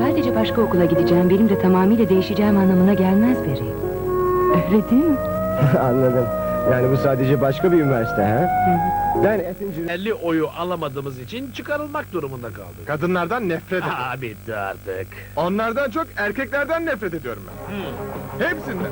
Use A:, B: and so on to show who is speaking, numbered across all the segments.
A: sadece başka okula gideceğim, benim de tamamıyla değişeceğim anlamına gelmez Beri. Öyle değil mi?
B: Anladım. Yani bu sadece başka bir üniversite ha? Ben Effinger...
C: 50 oyu alamadığımız için çıkarılmak durumunda kaldık.
D: Kadınlardan nefret ediyorum.
C: Bitti artık.
D: Onlardan çok erkeklerden nefret ediyorum ben. Hepsinden.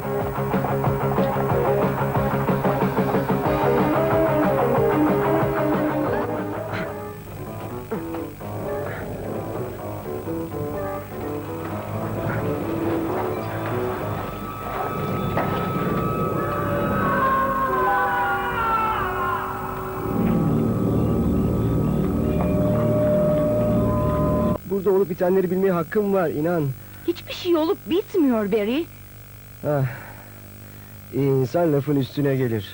B: Burada olup bitenleri bilmeye hakkım var, inan.
A: Hiçbir şey olup bitmiyor Beri.
B: Ah, iyi insan lafın üstüne gelir.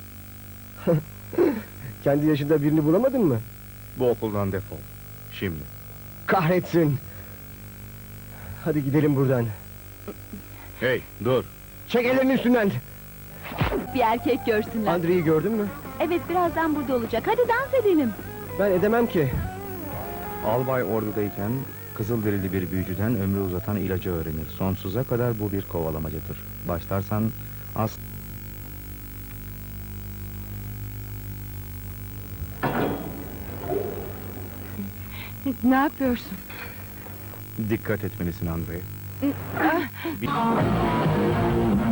B: Kendi yaşında birini bulamadın mı?
D: Bu okuldan defol. Şimdi.
B: Kahretsin! Hadi gidelim buradan.
D: Hey, dur.
B: Çek ellerini üstünden!
A: Bir erkek görsünler.
B: Andre'yi gördün mü?
A: Evet, birazdan burada olacak. Hadi dans edelim.
B: Ben edemem ki.
E: Albay ordudayken Kızılderili bir büyücüden ömrü uzatan ilacı öğrenir. Sonsuza kadar bu bir kovalamacadır. Başlarsan
A: Ne yapıyorsun?
E: dikkat etmelisin Andre.